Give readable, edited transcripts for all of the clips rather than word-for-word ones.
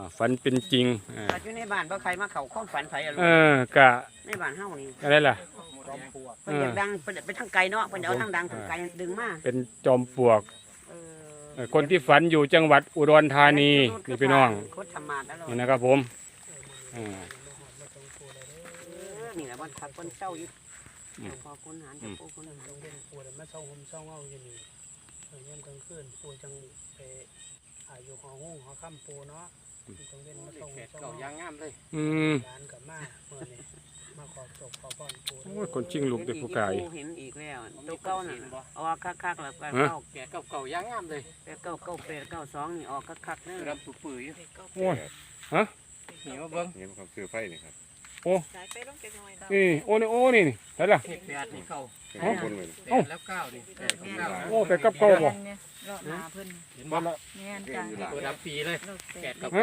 ฝันเป็นจริงอยู่ในบ้านบ่ใครมาเข้าความฝันไผอะลูกกะในบ้านเฮานี่อะไรล่ะเพิ่นอยากดังเพิ่นไปทางไกลเนาะเพิ่นเอาทางดังทางไกลดึงมาเป็นจอมปลวกคนที่ฝันอยู่จังหวัดอุดรธานีนี่พี่น้องนี่นะครับผมนี่แหละวันขับคนเศร้าอยู่พอคุณหารจะปูคุณหารปูมาเศร้าห่มเศร้าเงาอยู่นี่ย่ำกลางคืนปูจังไปอยู่หอห้องหอค่ำปูเนาะจังเว้นมาเศร้าห่มเศร้าเงาย่างงามเลยร้านกับมาเมื่อนี้มาขอจบขอพรปูโอ้ยคนชิงลูกเด็กผู้กายเห็นอีกแล้วตัวเก้าน่ะออกคักๆแล้วก็เก้าแก่เก่าย่างงามเลยเก้า892นี่ออกคักๆเด้อรำปื้ยโอ้ยฮะเห็นว่าเบิ้งเห็นความซื้อไฟนี่ครับโอ้นี่โอ้นี่โอ้นี่ได้ละ 8นี่เก่าแล้ว 9นี่โอ้ไปกับเก่าบ่รอดมาเพิ่นเห็นบ่แม่นจังตัวดำปีเลย8กับ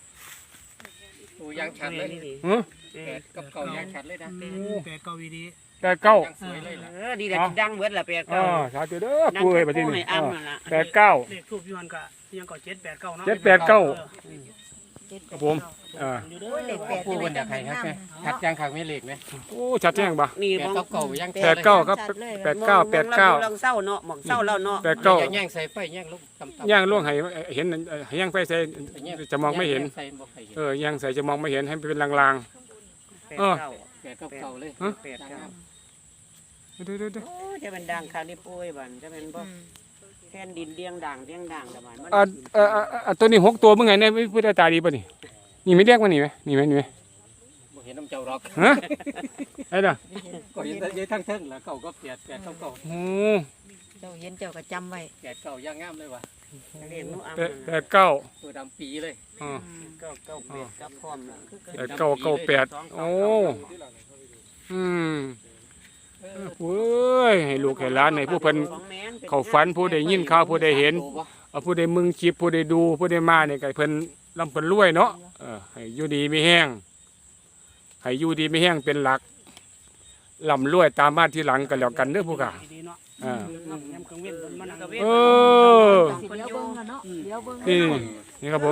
9ตัวย่างชัดเลย8กับเก่าย่างชัดเลยนะ8เก่าวีดีแต่เก้าดีแหละดังเบิดล่ะ8 9 สาธุเด้อปู่เอ้ยบัดนี้8 9 เลขทูบย้อนก็ยังก็7 8 9เนาะ 7 8 9ครับผมผู้คนอยากให้ครับชัดยังขังไม่เหล็กไหมโอ้ชัดแจ้งบ่นี่มองเก่ายัง 8 9ครับ8 9 8 9 ลองเศร้าเนาะหมองเศร้าแล้วเนาะ 8 9 ย่างใส่ไฟย่างลูกย่างล่วงให้เห็นย่างไฟใส่จะมองไม่เห็นย่างใส่จะมองไม่เห็นให้เป็นลางๆ8 9เลย8 9 เด้อๆจะเป็นดังคราวนี้ปุ้ยบันจะเป็นบ่แผ่นดินเลี้ยงด่างแต่บันตัวนี้6ตัวเมื่อไงเนี่ยพุทธตาดีป่ะนี่ไม่เรียกว่านี่ไหมนี่ไหมเห็นน้ำเจ้าร็อกฮะไอ้เด้อก็เห็นแต่ทั้งเทิงแล้วเก่าก็8 8 9 โอ้เจ้าเห็นเจ้าก็จำไว้ 8 9ย่างงามเลยว่ะ 8 9 ตัวดำปีเลย 9 8กับพร้อม 9 9 8โอ้เว้ยให้ลูกให้หลานให้ผู้เพิ่นเขาฝันผู้ใดยินข่าวผู้ใดเห็นผู้ใดมึงคลิปผู้ใดดูผู้ใดมาเนี่ยไก่เพิ่นลำเพิ่นรวยเนาะให้อยู่ดีไม่แห้งให้อยู่ดีไม่แห้งเป็นหลักลำรวยตามมาที่หลังกันแล้วกันเด้อผู้ข่านี่ครับผม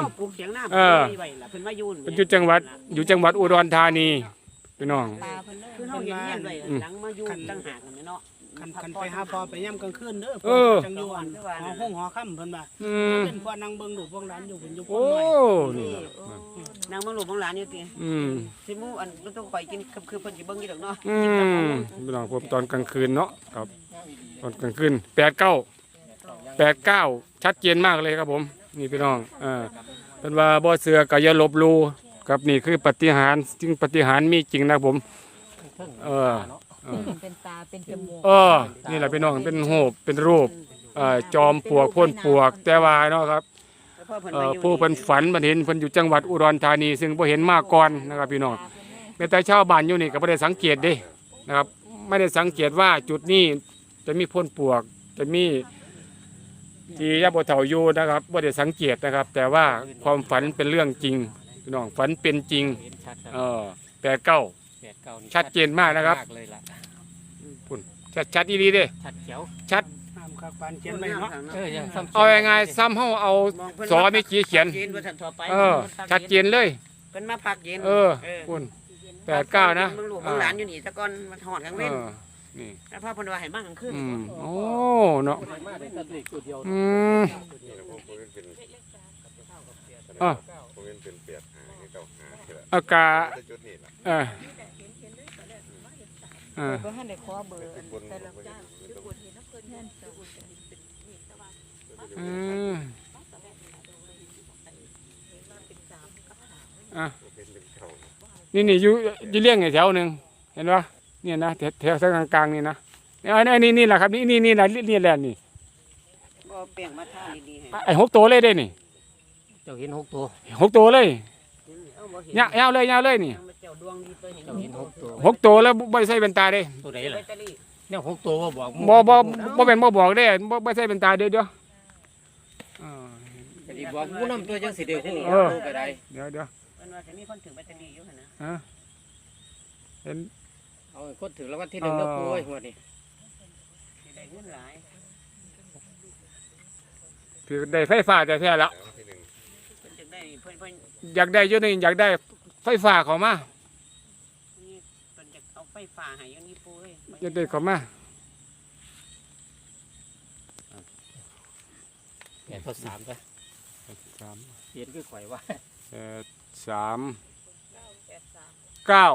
เป็นอยู่จังหวัดอุดรธานีพี่น้องคือเฮาเห็นเฮียนไว้หลังมาอยู่ต่างหากเนาะคันไปหาพอไปย่ำกลางคืนเด้อจังอยู่หอห้องหอค่ำเพิ่นว่าเป็นพวกนางเบิ่งลูกพวกหลานอยู่เพิ่นอยู่พุ่นน้อยนางเบิ่งลูกเบิ่งหลานอยู่ติสิหมู่อันต้องข่อยกินคือเพิ่นสิเบิ่งอยู่ดอกเนาะพี่น้องผมตอนกลางคืนเนาะครับตอนกลางคืน8 9ชัดเจนมากเลยครับผมนี่พี่น้องเพิ่นว่าบ่เชื่อก็อย่าลบหลู่ครับนี่คือปฏิหารย์จริงปฏิหารย์มีจริงนะผมเป็นตาเป็นจมูกนี่แหละพี่น้องเป็นโหบเป็นรูปจอมปลวกพ่นปลวกแต่ว่าเนาะครับผู้เพิ่นฝันเพิ่นเห็นเพิ่นอยู่จังหวัดอุดรธานีซึ่งบ่เห็นมาก่อนนะครับพี่น้องแม้แต่ชาวบ้านอยู่นี่ก็บ่ได้สังเกตเด้นะครับไม่ได้สังเกตว่าจุดนี้จะมีพ่นปลวกจะมีที่ยาบ่เฒ่าอยู่นะครับบ่ได้สังเกตนะครับ แต่ว่าความฝันเป็นเรื่องจริงพี่น้องฝันเป็นจริง8 9ชัดเจนมากนะครับคุณชัดดีๆเด้ชัดเขียวชัดเอายังไงซ้ำเฮาเอาสอมีขีเขียนชัดเจนเลยเป็นมาพักเย็นคุณ8 9นะมึงลูกมึงหลานอยู่นี่ตะก้อนมาถอดกลางเว้นนี่แล้วพ่อเพิ่นว่าให้มากลางคืนโอ้เนาะอากาศบ่ทันได้ขอเบอร์แต่ละเจ้านี่อยู่เลี้ยงไอ้แถวหนึ่งเห็นปะเนี่ยนะแถวกลางๆนี่นะนี่แหละครับนี่แหละนี่แหละนี่บ่เปลี่ยนมาท่าดีๆไอ้6 ตัวเลยได้นี่เจ้าเห็น6 ตัว 6 ตัวเลยยาวเลยนี่6 ตัวแล้วไม่ใช่เป็นตาเด้ตัวไหนล่ะเนี่ย6 ตัวบอกบ่เป็นบ่บอกเด้บ่ใช่เป็นตาเด้เดี๋ยวบอกผู้นำตัวจังสิเดียวก็ได้เดี๋ยวมันว่าจะมีคนถือแบตเตอรี่อยู่หั่นนะเห็นเอาคนถือแล้ววันที่1เด้อปุ้ยงวดนี้ได้เงินหลายถือได้ไฟฟ้าแต่แท้แล้วได้เพิ่นอยากได้อยู่นี่อยากได้ไฟฟ้าเข้ามานี่เพิ่นจะเอาไฟฟ้าให้อยู่นี่ปูเอ้ยอยากได้เข้ามาแปดทดสามไปสามเขียนคือข่อยว่าสามเก้า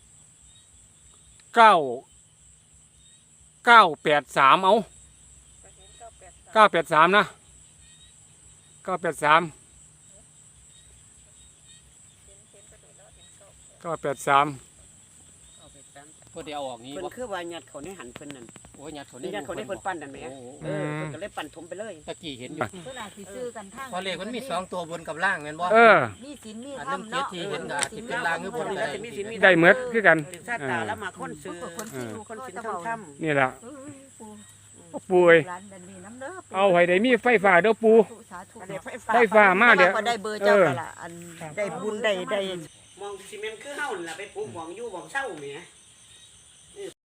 แปดสามเอา983นะ983 พอเดียวออกนี้เพิ่นบ่คือว่ายัดเขาในหันเพิ่นนั่นโอ้ยยัดเขายัดเขาในเพิ่นปั้นนั่นแหมโอ้โหเพิ่นก็เลยปั้นถมไปเลยตะกี้เห็นอยู่เพิ่นอาจสิซื้อกันทางพอเลขมันมีสองตัวบนกับล่างแม่นบ่เออมีศีลมีอันธรรนึมงเนาะที่เห็นก็สิเป็นลางหรือบ่แล้วจะมีศีลมีได้เหมือดคือกันถึงชาติตาแล้วมาคนซื้อคนซื้อคนสินเขาทำนี่แหละปูปุ้ยร้านดันนี่น้ำเด้อเอาให้ได้มีไฟฟ้าเด้อปูสาธุอันนี้ไฟฟ้ามาเดี๋ยวก็ได้เบอร์เจ้าก็ละอันได้บุญได้มองซีเมนต์คือเฮานั่นล่ะไปปลูกหม่องอยู่หม่องเช่าแหม